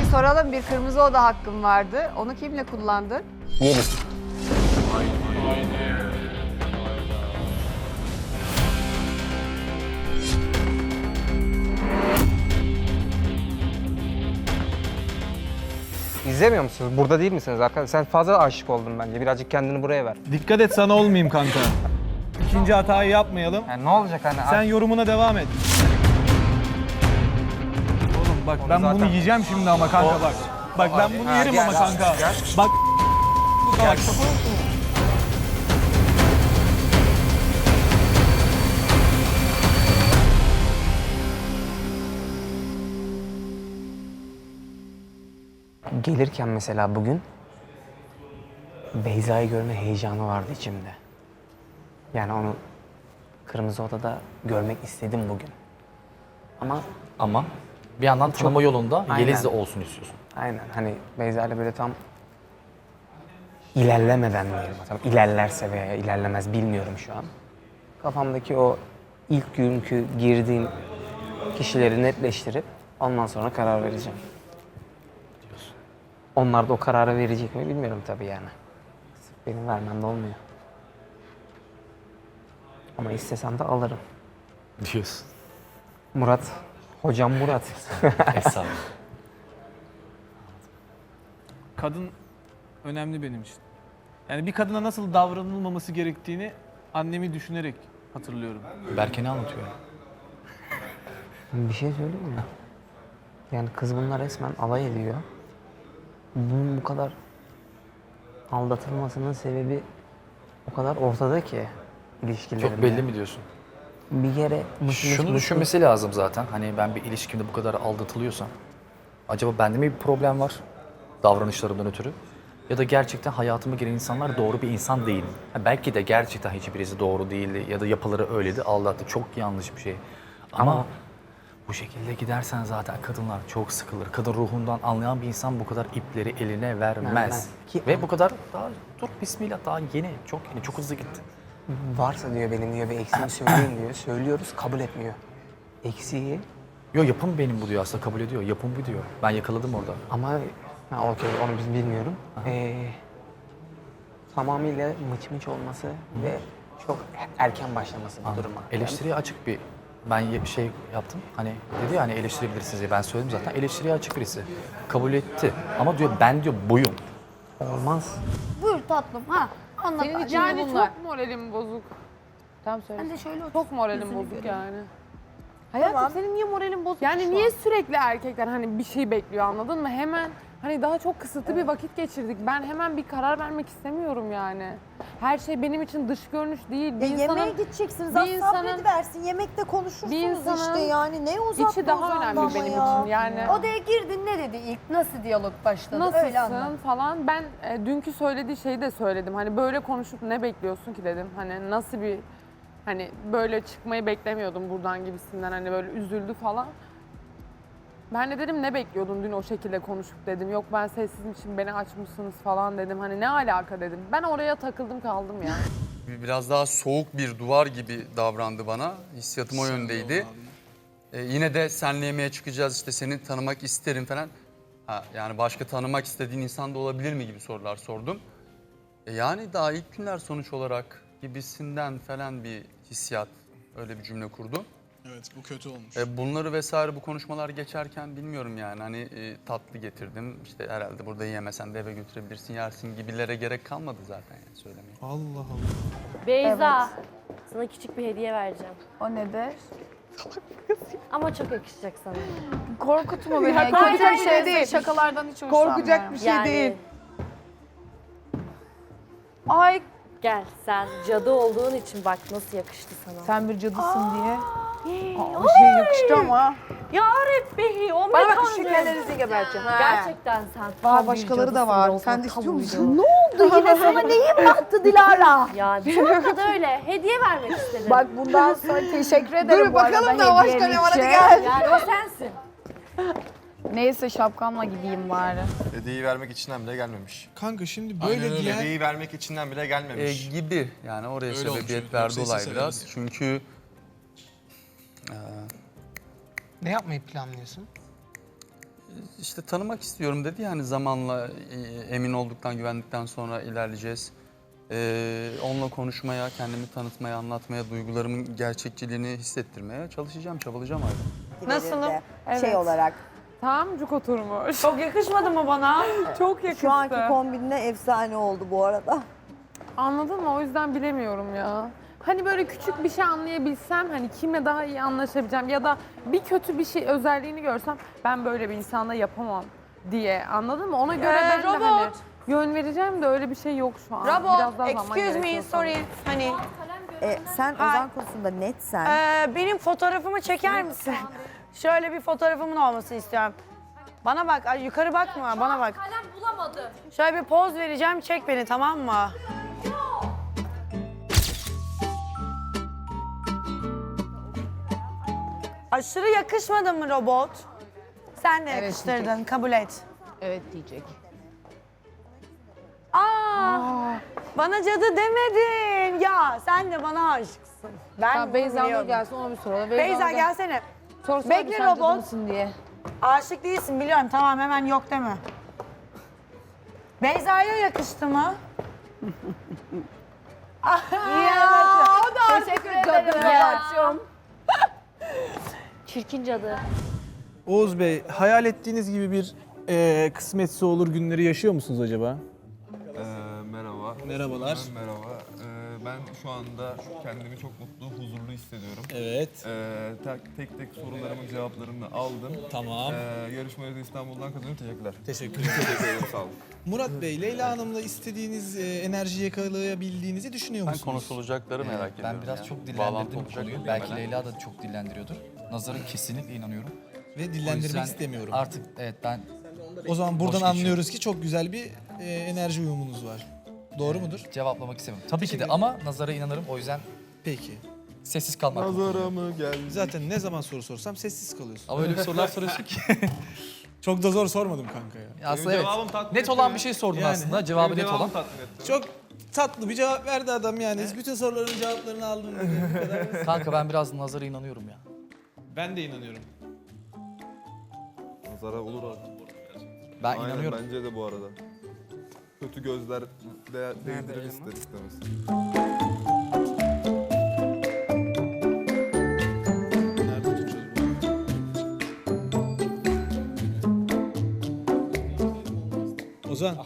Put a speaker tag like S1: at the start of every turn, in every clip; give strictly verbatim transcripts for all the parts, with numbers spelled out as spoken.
S1: soralım, bir kırmızı oda hakkım vardı. Onu kimle kullandın?
S2: Yeliz. İzlemiyor musunuz? Burada değil misiniz arkadaşlar? Sen fazla aşık oldun bence. Birazcık kendini buraya ver.
S3: Dikkat et sana olmayayım kanka. İkinci hatayı yapmayalım.
S2: Yani ne olacak hani?
S3: Sen yorumuna devam et. Oğlum bak ben
S2: zaten-
S3: bunu yiyeceğim şimdi ama kanka bak. Bak ben bunu
S2: Ha,
S3: yerim
S2: gel,
S3: ama
S2: gel,
S3: kanka.
S2: gel.
S3: Bak
S2: Gel. Gelirken mesela bugün Beyza'yı görme heyecanı vardı içimde. Yani onu Kırmızı Oda'da görmek istedim bugün. Ama
S4: Ama bir yandan tanıma yolunda
S2: Aynen.
S4: Yeliz de olsun istiyorsun.
S2: aynen hani Beyza ile böyle tam ilerlemeden diyelim. Tam ilerlerse veya ilerlemez bilmiyorum şu an. Kafamdaki o ilk günkü girdiğim kişileri netleştirip ondan sonra karar vereceğim. Onlar da o kararı verecek mi bilmiyorum tabii yani. Sırf benim vermem de olmuyor. Ama istesem de alırım.
S4: Diyorsun.
S2: Murat, hocam Murat.
S4: Efsane.
S3: kadın önemli benim için. Yani bir kadına nasıl davranılmaması gerektiğini annemi düşünerek hatırlıyorum.
S4: Berke ne anlatıyor?
S2: Bir şey söyleyeyim mi? Yani kız bunlar resmen alay ediyor. Bunun bu kadar aldatılmasının sebebi o kadar ortada ki ilişkilerinde.
S4: Çok belli mi diyorsun?
S2: Bir kere mısır
S4: Şunu düşünmesi lazım zaten. Hani ben bir ilişkimde bu kadar aldatılıyorsam acaba bende mi bir problem var davranışlarımdan ötürü? Ya da gerçekten hayatıma giren insanlar doğru bir insan değil mi? Ha, belki de gerçekten hiçbirisi doğru değildi ya da yapıları öyleydi, aldattı. Çok yanlış bir şey. Ama,
S2: Ama-
S4: bu şekilde gidersen zaten kadınlar çok sıkılır. Kadın ruhundan anlayan bir insan bu kadar ipleri eline vermez.
S2: Vermez. Ki-
S4: Ve bu kadar daha dur bismillah daha yeni, çok yeni, çok hızlı gitti.
S2: varsa diyor benim diyor bir eksiğimi söyleyin diyor. Söylüyoruz kabul etmiyor. Eksiği
S4: Yo yapım benim bu diyor aslında kabul ediyor. Yapım bu diyor. Ben yakaladım orada.
S2: ama ha, okey onu biz bilmiyorum. Ee, tamamıyla mıç mıç olması ve çok erken başlaması bu duruma.
S4: Eleştiriye açık bir ben ye- bir şey yaptım. Hani dedi ya hani eleştirebilirsiniz diye ben söyledim zaten. Eleştiriye açık birisi. Kabul etti. Ama diyor ben diyor buyum.
S2: Olmaz.
S5: Buyur tatlım ha. Anlat.
S1: Senin için
S5: Yani
S1: yani çok moralim bozuk. Tamam söyle.
S5: Ben de şöyle otur.
S1: Çok moralim
S5: Yüzünü
S1: bozuk
S5: göreyim.
S1: yani. Hayatım senin niye moralin bozuk Yani
S5: şu
S1: niye
S5: an?
S1: sürekli erkekler hani bir şey bekliyor anladın mı? Hemen hani daha çok kısıtlı bir vakit geçirdik. Ben hemen bir karar vermek istemiyorum yani. Her şey benim için dış görünüş değil. Bir
S6: Ya
S1: insanın
S6: yemeğe gideceksiniz,
S1: bir
S6: az
S1: insanın-
S6: sabrediversin. Yemekte konuşursunuz
S1: bir insanın
S6: işte yani. Ne uzattı
S1: içi daha
S6: uzandı
S1: önemli
S6: ama
S1: benim
S6: ya.
S1: için yani.
S5: Odaya girdin ne dedi ilk? Nasıl diyalog başladı? Öyle anlat.
S1: Nasılsın falan. Ben e, dünkü söylediği şeyi de söyledim. Hani böyle konuşup ne bekliyorsun ki dedim. Hani nasıl bir hani böyle çıkmayı beklemiyordum buradan gibisinden hani böyle üzüldü falan. Ben de dedim ne bekliyordun dün o şekilde konuşup dedim. Yok ben sessizim için beni açmışsınız falan dedim. Hani ne alaka dedim. Ben oraya takıldım kaldım ya.
S7: Biraz daha soğuk bir duvar gibi davrandı bana. Hissiyatım o yöndeydi. Ee, yine de senle yemeğe çıkacağız işte seni tanımak isterim falan. Ha, yani başka tanımak istediğin insan da olabilir mi gibi sorular sordum. E, yani daha ilk günler sonuç olarak gibisinden falan bir hissiyat öyle bir cümle kurdu.
S8: Evet bu kötü olmuş.
S7: E, bunları vesaire bu konuşmalar geçerken bilmiyorum yani hani e, tatlı getirdim. İşte herhalde burada yiyemesen de eve götürebilirsin yersin gibilere gerek kalmadı zaten yani söylemeye.
S8: Allah Allah.
S9: Beyza, sana küçük bir hediye vereceğim.
S5: O nedir?
S9: Ama çok yakışacak sana.
S5: Korkutma beni.
S1: Ya,
S5: Kötü bir
S1: korkacak
S5: şey
S1: bir
S5: değil. Şakalardan hiç hoşlanmıyorum.
S1: Korkacak bir şey
S9: Yani
S1: değil.
S5: Ay
S9: gel sen cadı olduğun için bak nasıl yakıştı sana.
S5: sen bir cadısın diye. Aa, o şey yakıştı ama.
S9: Ya Rabbi o
S5: Bana bak
S9: mekan
S5: şu şekerlerinizi geberteceğim. Ha.
S9: Gerçekten sen
S5: Aa,
S9: tam bir
S5: başkaları da
S9: cadısın
S5: var.
S9: Rozan,
S5: Sen de
S9: tam
S5: istiyor
S9: bir
S5: musun?
S9: cadı.
S5: Ne oldu yine sana neyin battı Dilara?
S9: Ya bir noktada öyle hediye vermek istedim.
S5: Bak bundan sonra teşekkür ederim
S1: Dur
S5: bu
S1: bakalım
S5: arada
S1: da başka
S5: hediyen
S1: ne var, hadi
S5: için.
S1: gel.
S9: Yani o sensin.
S5: Neyse şapkamla gideyim bari.
S10: Hediyeyi vermek içinden bile gelmemiş.
S8: Kanka şimdi
S7: Aynen
S8: böyle
S7: öyle.
S8: diyen...
S10: Hediyeyi vermek içinden bile
S7: E,
S10: gelmemiş.
S7: gibi yani oraya
S8: Öyle olmuş,
S7: sebebiyet
S8: yoksa
S7: verdi olay
S8: istese
S7: biraz.
S8: verirdi.
S7: Çünkü e,
S2: Ne yapmayı planlıyorsun?
S7: işte tanımak istiyorum dedi. Yani zamanla e, emin olduktan, güvendikten sonra ilerleyeceğiz. Ee, onunla konuşmaya, kendimi tanıtmaya, anlatmaya, duygularımın gerçekçiliğini hissettirmeye çalışacağım, çabalayacağım abi.
S5: Nasılım?
S1: Evet.
S6: Şey olarak.
S1: Tam cuk oturmuş.
S5: Çok yakışmadı mı bana?
S1: Çok yakıştı.
S6: Şu anki kombinle efsane oldu bu arada.
S1: Anladın mı? O yüzden bilemiyorum ya. Hani böyle küçük bir şey anlayabilsem, hani kimle daha iyi anlaşabileceğim ya da bir kötü bir şey özelliğini görsem ben böyle bir insanla yapamam diye, anladın mı? Ona göre
S5: Ee,
S1: ben de
S5: robot.
S1: hani yön vereceğim de öyle bir şey yok şu an. Biraz
S5: Robot,
S1: daha zaman
S5: excuse me,
S1: gerekiyor
S5: sorry.
S1: sanırım.
S5: Hani
S6: E, sen
S5: Hay.
S6: Ozan konusunda netsen.
S5: Ee, benim fotoğrafımı çeker misin? Şöyle bir fotoğrafımın olmasını istiyorum. Bana bak, ay yukarı bakma, bana bak.
S9: Kalem bulamadım.
S5: Şöyle bir poz vereceğim, çek beni, tamam mı? Aşırı yakışmadı mı robot? Sen de yakıştırdın, kabul et.
S11: Evet diyecek.
S5: Aa, bana cadı demedin. Ya sen de bana aşıksın. Ben
S11: Ya
S5: bunu
S11: Beyza Nur
S5: biliyorum.
S11: gelsin ona bir soralım.
S5: Beyza
S11: Nur gel-
S5: gelsene.
S11: Sorsana
S5: Bekle
S11: bir sen cadı
S5: robot.
S11: mısın diye.
S5: Aşık değilsin biliyorum, tamam hemen yok deme. Beyza'ya yakıştı mı? ya o da
S11: Teşekkür ederim.
S5: Ya.
S9: Çirkin cadı.
S3: Oğuz Bey, hayal ettiğiniz gibi bir e, kısmetse olur günleri yaşıyor musunuz acaba?
S10: Ee, merhaba.
S3: Merhabalar.
S10: Merhaba. Ee, ben şu anda kendimi çok mutlu, huzurlu hissediyorum.
S3: Evet.
S10: Ee, tek, tek tek sorularımın cevaplarını aldım.
S3: Tamam.
S10: Ee, yarışmayı da İstanbul'dan kazanıyorum. Teşekkürler.
S3: Teşekkür ederim.
S10: Teşekkür ederim, sağ olun.
S3: Murat Bey, Leyla Hanım'la istediğiniz e, enerjiyi yakalayabildiğinizi düşünüyor
S7: Ben
S3: musunuz?
S7: konuşulacakları merak ediyorum.
S4: Ben biraz
S7: yani.
S4: çok
S7: Bağlantı
S4: dillendirdim
S7: olacak
S4: konuyu.
S7: mı
S4: Belki
S7: bilmeden.
S4: Leyla da çok dillendiriyordur. Nazar'a kesinlikle inanıyorum.
S3: Ve
S4: O
S3: dillendirmek
S4: yüzden
S3: istemiyorum.
S4: Artık evet ben
S3: O zaman buradan
S4: geçiyorum.
S3: anlıyoruz ki çok güzel bir e, enerji uyumunuz var. Doğru mudur?
S4: cevaplamak istemiyorum. Tabii ki de ama Nazar'a inanırım. O yüzden
S3: Peki.
S4: sessiz kalmak.
S10: Nazara mı geldi?
S3: Zaten ne zaman soru sorsam sessiz kalıyorsun.
S4: Ama öyle bir sorular soruyorsun ki.
S3: Çok da zor sormadım kanka ya.
S4: aslında evet.
S10: cevabım tatmin
S4: Net
S10: etti
S4: olan
S10: mi?
S4: bir şey sordun
S3: Yani.
S4: aslında. Cevabı net olan.
S3: Çok tatlı bir cevap verdi adam yani. Bütün soruların cevaplarını aldım. Bu kadar.
S4: Kanka ben biraz Nazar'a inanıyorum ya.
S3: Ben de inanıyorum.
S10: Nazara olur abi.
S4: Ben
S10: Aynen,
S4: inanıyorum.
S10: bence de bu arada. Kötü gözler de değdirir ister istemez.
S3: Nerede tutacağız bunu? Ozan.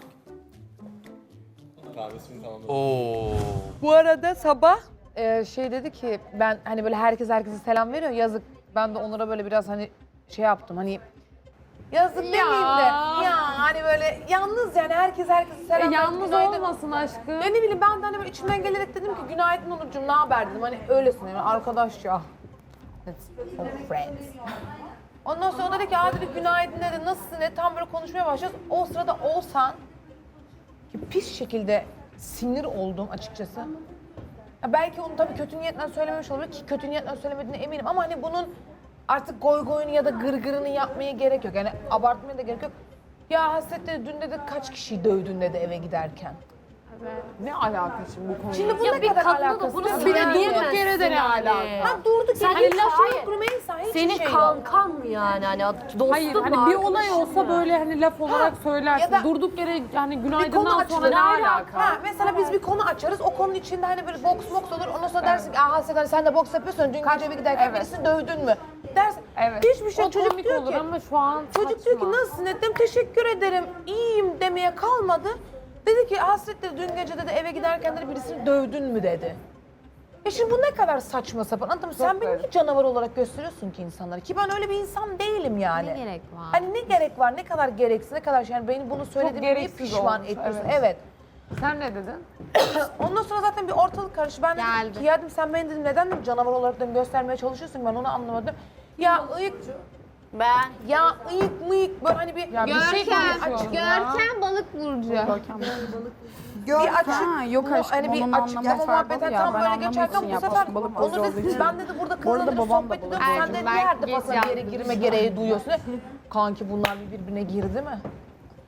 S7: Oo.
S11: Bu arada sabah e, şey dedi ki ben hani böyle herkes herkese selam veriyor yazık. Ben de onlara böyle biraz hani şey yaptım hani yazık demeyeyim de ya hani böyle yalnız yani herkes herkese
S1: E,
S11: selam veriyor.
S1: yalnız
S11: günaydın.
S1: olmasın aşkım.
S11: Ya ne bileyim ben de hani böyle içimden gelerek dedim ki günaydın Onurcuğum ne haber dedim hani öylesin yani arkadaş ya. Let's all friends. Ondan sonra o dedi ki aa dedi günaydın dedi nasılsın dedi tam böyle konuşmaya başlıyoruz. O sırada Oğuzhan ki pis şekilde sinir oldum açıkçası. Ya belki onu tabii kötü niyetle söylememiş olabilir ki kötü niyetle söylemediğine eminim ama hani bunun artık goy goyunu ya da gırgırını yapmaya gerek yok. Yani abartmaya da gerek yok. Ya Hasret dedi dün dedi kaç kişiyi dövdün dedi eve giderken.
S1: Ne alaka şimdi bu konuyla?
S11: Şimdi bu
S9: Ya
S11: ne
S9: bir
S11: kadar
S9: kadına da
S11: alakası?
S9: bunu
S11: Ya
S1: Bir de
S9: söyleyemezsin
S1: durduk yere de ne
S9: yani.
S1: alaka?
S11: Ha durduk
S9: Sen
S11: yere
S9: hiç-
S11: hiç
S9: hayır.
S11: hayır. Rümeysa hiç
S9: Senin
S11: şey yok.
S9: kankan mı yani? Hani dostun
S1: Hayır
S9: mu?
S1: hani bir olay
S9: arkadaşın
S1: olsa
S9: mı?
S1: böyle hani laf olarak söylersin.
S11: ya da-
S1: Durduk yere yani
S11: Bir konu
S1: günaydından
S11: açılır.
S1: sonra ne alaka?
S11: Ha, mesela biz bir konu açarız. O konunun içinde hani böyle boks boks olur. Ondan sonra dersin ki aa Hasret hani sen de boks yapıyorsun. Dün gece eve giderken
S1: Evet.
S11: birisini dövdün mü? Dersin.
S1: Evet.
S11: Hiçbir şey
S1: O
S11: çocuk
S1: komik
S11: diyor
S1: olur
S11: ki.
S1: ama şu an
S11: Çocuk diyor ki
S1: saçma.
S11: nasılsın dedim. Teşekkür ederim. İyiyim demeye kalmadı. Dedi ki Hasret dedi dün gece dedi eve giderken dedi birisini dövdün mü dedi. E şimdi bu ne kadar saçma sapan. Anladın mı? Sen beni
S1: garip.
S11: niye canavar olarak gösteriyorsun ki insanlara? Ki ben öyle bir insan değilim yani.
S9: Ne gerek var?
S11: Hani ne gerek var? Ne kadar gereksiz? Ne kadar şey? Yani beni bunu söylediğime niye
S1: gereksiz
S11: pişman
S1: olmuş,
S11: ediyorsun?
S1: evet.
S11: Evet.
S1: Sen ne dedin?
S11: Ondan sonra zaten bir ortalık karıştı. Ben dedim
S9: Geldi.
S11: ki ya dedim sen beni dedim neden dedim canavar olarak dedim göstermeye çalışıyorsun ben onu anlamadım. Ya ıyık
S9: Ben.
S11: ya ıyık mıyık böyle hani bir
S1: Ya bir şey konuşuyoruz ya.
S9: Görkem balık burcu.
S6: Gör,
S11: bir açık
S5: Ha, yok
S11: bunu
S5: aşkım,
S11: hani bir
S5: onun
S11: açıklama
S5: anlamı
S11: muhabbeti
S5: farklı ya.
S11: tam
S5: Ben
S11: böyle
S5: anlamak
S11: geçerken
S5: için
S11: bu
S5: yaptım.
S11: sefer
S5: Balık
S11: onu
S5: burcu olduğu
S11: dedi
S5: için.
S11: ben dedi burada
S5: Bu arada
S11: kızla dedi
S5: babam da
S11: sohbet ediyorum
S5: balık
S11: sen
S9: burcu.
S11: dedi niye her
S9: Ercüment
S11: defasında bir yere
S9: geç
S11: girme
S9: yapmış.
S11: gereği duyuyorsun. Kanki bunlar bir birbirine girdi mi?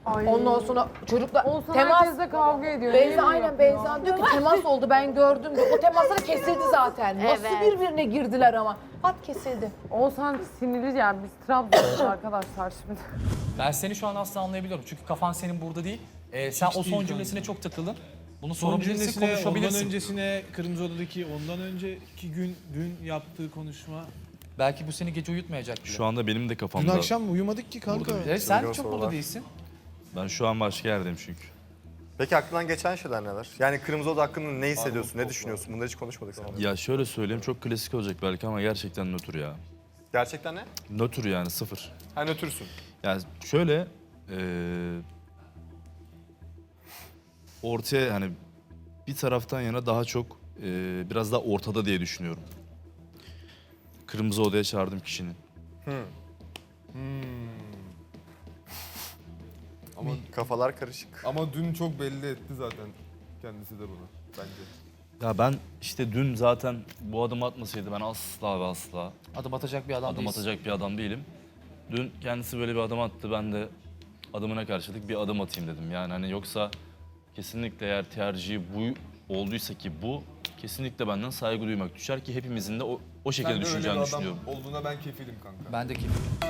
S11: Ondan sonra çocuklar
S1: Olsan
S11: temas
S1: herkesle kavga ediyor. Niye
S11: Beyza
S1: bunu
S11: aynen
S1: yapıyor?
S11: Beyza diyor ki temas oldu ben gördüm diyor. O temaslar kesildi zaten. Nasıl
S9: Evet.
S11: birbirine girdiler ama. Pat kesildi.
S1: Olsan sinirli yani biz Trabzon'uz arkadaşlar şimdi.
S4: Ben seni şu an asla anlayabiliyorum. Çünkü kafan senin burada değil. Ee, sen
S3: Hiç
S4: o
S3: değil
S4: son
S3: kanka.
S4: cümlesine çok takıldın. Bunu
S3: Son
S4: sorabilirsin,
S3: cümlesine, ondan
S4: konuşabilirsin.
S3: öncesine, Kırmızı Oda'daki ondan önceki gün, dün yaptığı konuşma.
S4: Belki bu seni gece uyutmayacak bile.
S12: Şu anda benim de
S3: Dün
S12: kafamda.
S3: akşam uyumadık ki kanka.
S4: Burada bile. Sen çok burada değilsin.
S12: Ben şu an başka yerdeyim çünkü.
S10: Peki aklından geçen şeyler neler? Yani Kırmızı Oda hakkında ne hissediyorsun, ne düşünüyorsun? Bunları hiç konuşmadık seninle.
S12: Ya şöyle söyleyeyim, çok klasik olacak belki ama gerçekten nötr ya.
S10: Gerçekten ne?
S12: Nötr yani, sıfır.
S10: Ha nötürsün.
S12: Yani şöyle eee ortaya hani bir taraftan yana daha çok eee, biraz daha ortada diye düşünüyorum. Kırmızı Oda'ya çağırdım kişinin.
S10: Ama kafalar karışık.
S8: Ama dün çok belli etti zaten kendisi de bunu bence.
S12: Ya ben işte dün zaten bu adımı atmasaydı ben asla ve asla
S4: Adım atacak bir adam
S12: adım
S4: değilsin.
S12: atacak bir adam değilim. Dün kendisi böyle bir adım attı, ben de adımına karşılık bir adım atayım dedim. Yani hani yoksa kesinlikle eğer tercihi bu olduysa ki bu, kesinlikle benden saygı duymak düşer ki hepimizin de o, o şekilde
S8: Sen de öyle bir
S12: düşüneceğini
S8: adam
S12: düşünüyorum.
S8: olduğuna ben kefilim kanka.
S4: Ben de kim?